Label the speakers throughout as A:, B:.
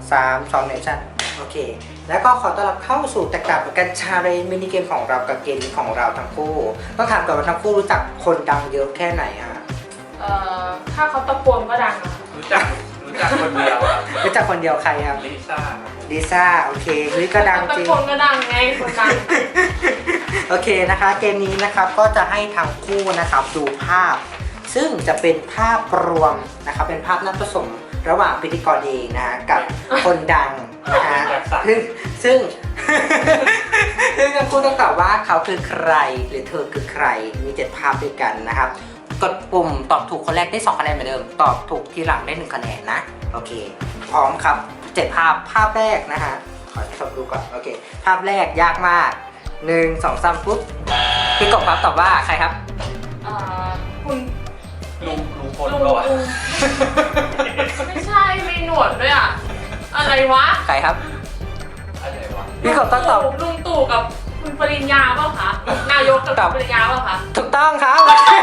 A: 3 2 1ชั่นโอเคแล้วก็ขอต้อนรับเข้าสู่แตกต่างกันชาเลนจ์มินิเกมของเรากับเกมของเราทั้งคู่ต้องถามก่อนว่าทั้งคู่รู้จักคนดังเยอะแค่ไหนฮะ
B: ถ้าเขาตะโกนก็ดังนะ
C: รู้จักคนเดียวครับ
A: รู้จักคนเดียวใครครับ
C: ลิซ่า
A: ลิซ่าโอเคนี่ก็ดัง
B: ตะ
A: จริง
B: โกนก็ดังไงคนดัง
A: โอเคนะคะเกมนี้นะครับก็จะให้ทั้งคู่นะครับดูภาพ ซึ่งจะเป็นภาพรวมนะครับเป็นภาพนัดผสมระหว่างพิธีกรเองนะกับคนดังนะฮะซึ่ง ซึ่งทั้งคู่ต้องตอบว่าเขาคือใครหรือเธอคือใครมี7ภาพด้วยกันนะครับกดปุ่มตอบถูกคนแรกได้2คะแนนเหมือนเดิมตอบถูกทีหลังได้1คะแนนนะโอเคพร้อมครับ7ภาพแรกนะฮะขอทดดูก่อนโอเคภาพแรกยากมาก1 2 3ปุ๊บพี่กบครับตอบว่าใครครับ
B: คุณ
C: ลุงพลก็วะ
B: ไม่ใช่มีหนวดด้วยอ่ะอะไรวะ
A: ใครครับ
C: อะไรวะ
A: พี่กบต้องตอบ
B: ลุงตู่กับคุณปริญญาเปล่าคะนายกกับคุณปริญญาเปล่าคะ
A: ถูกต้องครับ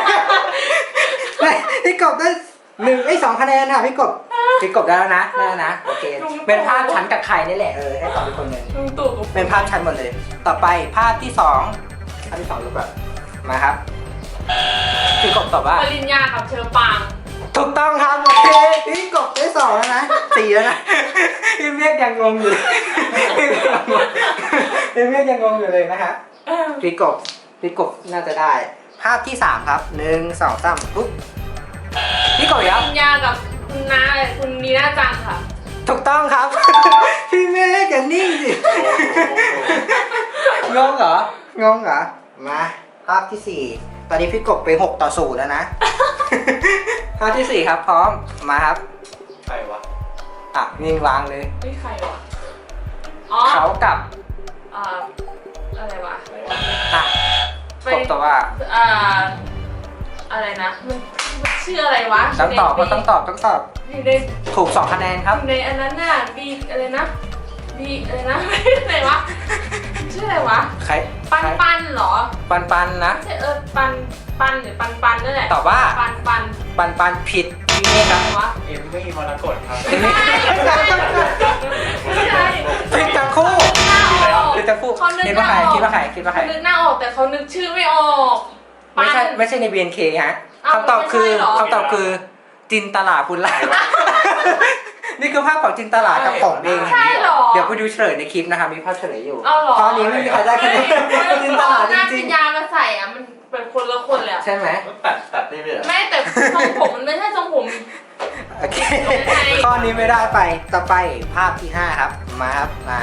A: พี่กบได้2คะแนนค่ะพี่กบได้แล้วนะโอเคเป็นภาพฉันกับใครนี่แหละให้ตอบเป็นคนหนึ่ง
B: ลุงตู่กับ
A: เป็นภาพฉันหมดเลย ต่อไปภาพที่2ดูก่อนมาครับพี่กบตอบว่า
B: ปริญญากับเชอปาง
A: ถูกต้องครับโอเคพี่กบได้2แล้วนะ4แล้วนะพี่เมฆยังงงอยู่พี่เมฆยังงงอยู่เลยนะฮะพี่กบน่าจะได้ ภาพที่3ครับ1 2 3ปุ๊บพี่กบ
B: ป
A: ครับ
B: ริญญากับคุณน้าคุณนีน่าจังค่ะ
A: ถูกต้องครับ พี่เมฆอย่านิ่งสิงงเหรอมาภาพที่4ตอนนี้พี่กบไป6-0แล้วนะ ภาพที่4ครับพร้อมมาครับ
C: ใครวะ
A: นิ่งวางเลย
B: ไม่ใครวะอ๋อ
A: เขากับ
B: อะไรวะ
A: กบตอบว่า
B: อะไรนะมันชื่ออะไรวะ
A: ต้องตอบ
B: อยู่ใน
A: ถูก2คะแนนครับ
B: อยู่ในอันนั้นน่ะบีอะไรนะบีอะไรนะ อะไรวะชื่ออะไรวะ
A: ใคร
B: ปันเหรอ
A: ปันนะ
B: ไม่ใช่ปันหรือปันนั่นแหละ
A: ตอบว่า
B: ปัน
A: ผิดพี่เมฆครับ
B: วะ
C: เอ็มมี่มรกตครับ
B: ไม่ใช่
A: ผิดทั้งคู่
B: หน้าออก
A: ผิดทั้งคู่
B: เขานึก
A: คิด
B: ห
A: ว่า
B: น้า
A: ใคร
B: ออก
A: คิดว่าใคร
B: เขานึกหน้าออกแต่เขานึกชื่อไม่ออก
A: ไม่ใช่ใน BNK ฮะ
B: อ้าว
A: คำตอบคือ
B: ไม่ใช่เหรอ
A: คำตอบคือจินตลาภูลาภ นี่คือภาพของจินตลากับของเอง
B: ใช่เหรอ
A: เดี๋ยวไปดูเฉลยในคลิปนะคะมีภาพเฉลยอยู่
B: เอาเหรอ
A: ตอนนี้ไม่มีใครได้คะแนนจินตลาจ
B: หน้า
A: ริ
B: ปิ
A: ง
B: ญญามาใส่อ่ะมันเป็นคนละคนเลยอะ
A: ๆใช่ไหม
C: ตัดได้เลยเหรอ
B: ไม่แต่ทรงผมมันไม่ใช่ทรงผม
A: โอเคข้อนี้ไม่ได้ไปต่อไปภาพที่5ครับมาครับมา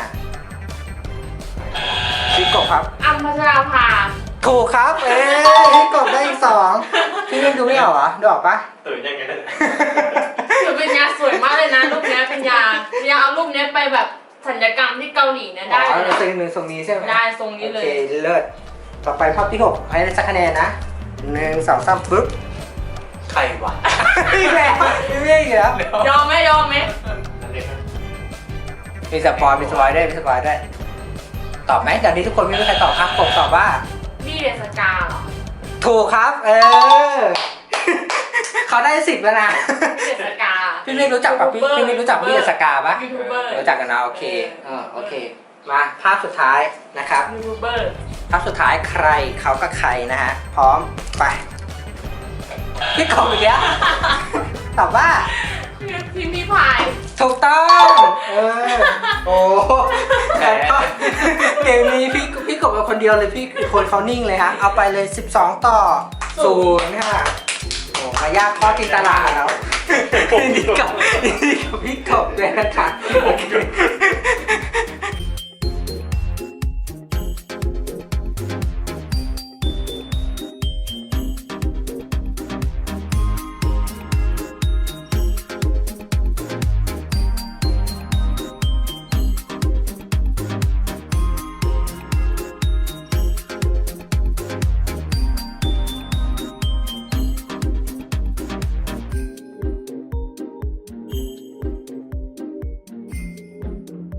A: พี่กบครับ
B: อัมพัชราภา
A: ถูกครับพี่กบได้อีก2พี่ยังดูไม่ออกเหรอดูออกปะ
C: ตื่นยังไงนั่น
B: คือเป็นยาสวยมากเลยนะรูปเนี้ยเป็นยาเอารูปเนี้ยไปแบบศัลยกรรมที่เกาหลีเนี่ยได้
A: อ๋อ
B: เลย
A: เป็นหนึ่งทรงนี้ใช่ไหม
B: ได้ทรงนี้เล
A: โอย เคเลิศต่อไปภาพที่6ให้ได้สักคะแนนนะ1 2 3ปึ๊บ
C: ใครวะ
A: พี่แม่พี่แม่อีกแล้ว
B: ยอมไหม
C: อันนี้
A: มีสปอยด้วยตอบไหมจากนี้ทุกคนไม่มีใครตอบครับผมตอบว่า
B: บี้เดสกาเหรอ
A: ถูกครับเขาได้10แล้วนะ
B: บี้เดสกา
A: พี่เมฆรู้จักปะพี่เมฆรู้จักพี่เดสกาปะ
B: ยูทูบเบอร์
A: รู้จักกันนะโอเคโอเคมาภาพสุดท้ายนะครับ
B: ยูทูบเบอร์
A: ภาพสุดท้ายใครเขากับใครนะฮะพร้อมไปพี่กบอีกแล้วตอบว่า
B: พี่พาย
A: ถูกต้องโอ้เกมนี้พี่กบเป็นคนเดียวเลยพี่คนเขานิ่งเลยฮะเอาไปเลย12-0ค่ะโอ้มายากข้อจินตลาแล้วนี่กับพี่กบเลยนะคะโอเค